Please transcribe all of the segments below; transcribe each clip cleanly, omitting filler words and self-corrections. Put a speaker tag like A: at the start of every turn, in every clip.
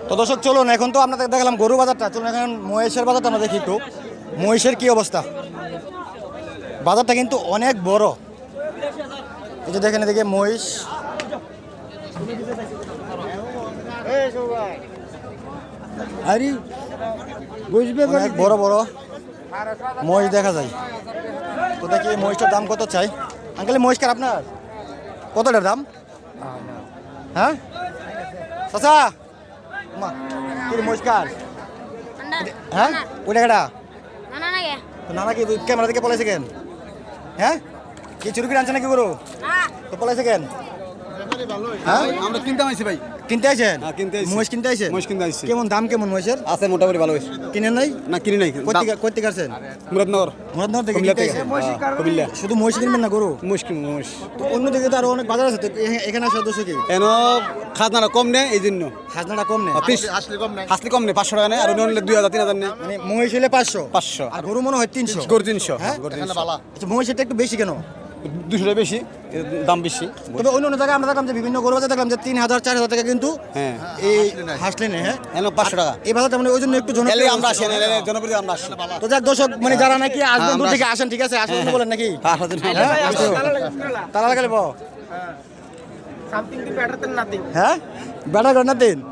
A: তো দর্শক চলুন, এখন তো আপনাদের দেখলাম গরু বাজারটা, চলুন এখন মহিষের বাজারটা আমরা দেখি একটু। মহিষের কি অবস্থা? বাজারটা কিন্তু অনেক বড়। এই যে দেখেন এদিকে মহিষ, অনেক বড় বড় মহিষ দেখা যায়। তো দেখি এই মহিষটার দাম কত চাই। আঙ্কেল মহিষকার আপনার কতটার দাম? হ্যাঁ চাচা মা কি মহিষকার? হ্যাঁ ওই টাকাটা তো নানা কি ক্যামেরা থেকে পলাইছে কেন? হ্যাঁ কি চুরি করে আনছে নাকি গরু? তো পলাইছে কেন? হ্যাঁ
B: আমরা কিনতে আইছি ভাই।
A: কিনতে আইছেন?
B: হ্যাঁ, কিনতে আইছি।
A: মহিষ কিনতে আইছেন?
B: মহিষ কিনতে আইছি।
A: কেমন দাম কেমন মহিষের?
B: আছে মোটামুটি ভালো হইছে।
A: কিনেন নাই?
B: না কিনি নাই।
A: কই থেকে আসছেন?
B: মুরাদনগর।
A: মুরাদনগর থেকে
B: কুমিল্লা
A: কিনতে
B: থেকে।
A: আইছেন?
B: কুমিল্লা।
A: শুধু মহিষ কিনবেন না গরু?
B: মহিষ।
A: তো অন্য দিকে তো আরো অনেক বাজার আছে, তো এখানে আসার দোষ কি?
B: এন খাজনাটা কম নেই এই জন্য।
A: খাজনাটা কম নেই?
B: হাসলি কম নেই 500 টাকা নেই আর অন্য 2000 3000 নেই।
A: মানে মহিষ হলে 500
B: 500
A: আর গরু মনে হয় 300।
B: গরু 300।
A: হ্যাঁ
B: গরু 300।
A: আচ্ছা মহিষেরটা একটু বেশি কেন?
B: 200 টাকা বেশি, দাম বেশি।
A: তবে অন্য অন্য জায়গায় আমরা দেখলাম যে বিভিন্ন গরু বাজার দেখলাম যে 3000 4000 টাকা কিন্তু
B: হ্যাঁ
A: এই হাসলে নেই। হ্যাঁ
B: এন 500 টাকা।
A: এই বাজারটা মানে ওই জন্য একটু জনপ্রিয়।
B: এলে আমরা আসি, এলে জনপ্রিয় আমরা আসি।
A: তো যাক দর্শক, মানে যারা নাকি আসবেন দূর
B: আমরা
A: থেকে আসেন, ঠিক আছে আসবেন বলেন নাকি?
B: হ্যাঁ
A: তারা লাগালে বো
C: Something better than nothing.
A: হ্যাঁ বেটা কর না দিন।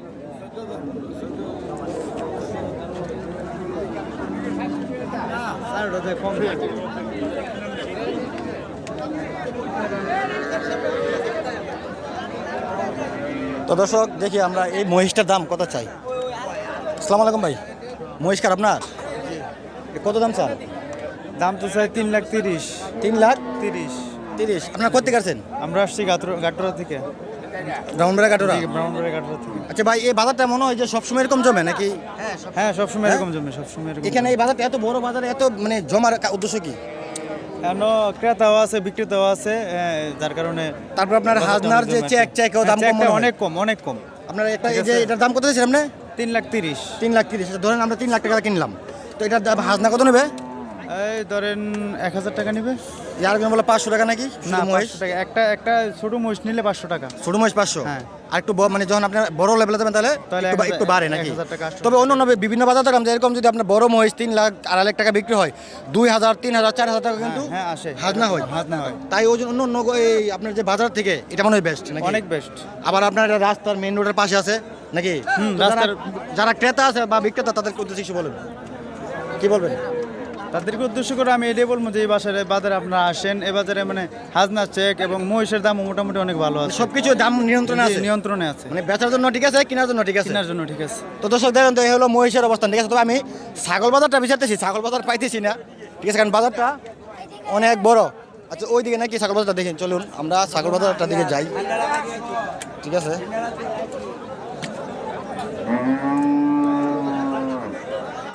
A: তো দর্শক দেখি আমরা এই মহিষটার দাম কত চাই। আসসালামু আলাইকুম ভাই, মহিষকার আপনার কত দাম চান?
D: দাম তো চাই 3,30,000।
A: 3,30,000। আপনার কোথেকে আসছেন?
D: আমরা আসছি গাটরা থেকে,
A: ব্রাউনবাড়া কাটোরা।
D: ব্রাহ্মণবাড়িয়া গাটরা থেকে।
A: আচ্ছা ভাই, এই বাজারটা মনে হয় যে সবসময় এরকম জমে নাকি?
D: হ্যাঁ সবসময় এরকম জমে, সবসময় এরকম।
A: এখানে এই বাজারটা এত বড় বাজারে এত মানে জমার উদ্দেশ্য কি?
D: কেন ক্রেতাও আছে বিক্রেতাও আছে, যার কারণে
A: তারপর আপনার
D: বাজারটা
A: হাজনার
D: অনেক
A: যে
D: জমে
A: চেক
D: আছে।
A: চেকও দাম
D: হ্যাঁ,
A: কম
D: চেকটা
A: মনে হয়।
D: অনেক কম।
A: আপনার একটা
D: ঠিক
A: এই যে
D: আছে।
A: এটার দাম কত দিয়েছেন আপনি?
D: 3,30,000।
A: 3,30,000। ধরেন আমরা 3 লাখ টাকা কিনলাম, তো এটার দাম হাজনা কত নেবে?
D: এই ধরেন 1,000 টাকা নিবে।
A: আর কোনো বলে 500 টাকা নাকি?
D: না
A: শুধু মহিষ?
D: 500 টাকা। একটা ছোট মহিষ নিলে 500 টাকা।
A: ছোট মহিষ 500।
D: হ্যাঁ।
A: আর একটু মানে যখন আপনার বড় লেভেলে যাবেন তাহলে
D: তাহলে
A: একটু বাড়ে নাকি?
D: 1,000 টাকা 800
A: তবে অন্য অন্য বিভিন্ন বাজার দেখলাম যে এরকম যদি আপনার বড় মহিষ 3 লাখ 2.5 লাখ টাকা বিক্রি হয়, 2,000 3,000 4,000 টাকা কিন্তু
D: হ্যাঁ আসে
A: হাজনা হয়।
D: হাজনা হয়।
A: তাই ওই জন্য অন্য এই আপনার যে বাজার থেকে এটা মনে হয় বেস্ট নাকি?
D: অনেক বেস্ট।
A: আবার আপনার এটা রাস্তার মেইন রোডের পাশে আছে নাকি? তো
D: রাস্তার-
A: যারা ক্রেতা আছে বা বিক্রেতা তাদের উদ্দেশ্যে কিছু বলবেন, কি বলবেন?
D: তাদেরকে উদ্দেশ্য করে আমি এটাই বলবো যে এই বাজারে আপনারা আসেন, এ বাজারে মানে হাজনা চেক এবং মহিষের দাম মোটামুটি অনেক ভালো আছে,
A: সবকিছু দাম নিয়ন্ত্রণে আছে,
D: নিয়ন্ত্রণে আছে,
A: মানে বেচার জন্য ঠিক আছে, কেনার জন্য ঠিক আছে।
D: কেনার জন্য ঠিক আছে।
A: তো দর্শক দেখেন, তো এই হলো মহিষের অবস্থান, ঠিক আছে। তবে আমি ছাগল বাজারটা বিচারতেছি, ছাগল বাজার পাইতেছি না, ঠিক আছে, কারণ বাজারটা অনেক বড়। আচ্ছা ওই দিকে নাকি ছাগল বাজারটা দেখেন, চলুন আমরা ছাগল বাজারটার দিকে যাই, ঠিক আছে।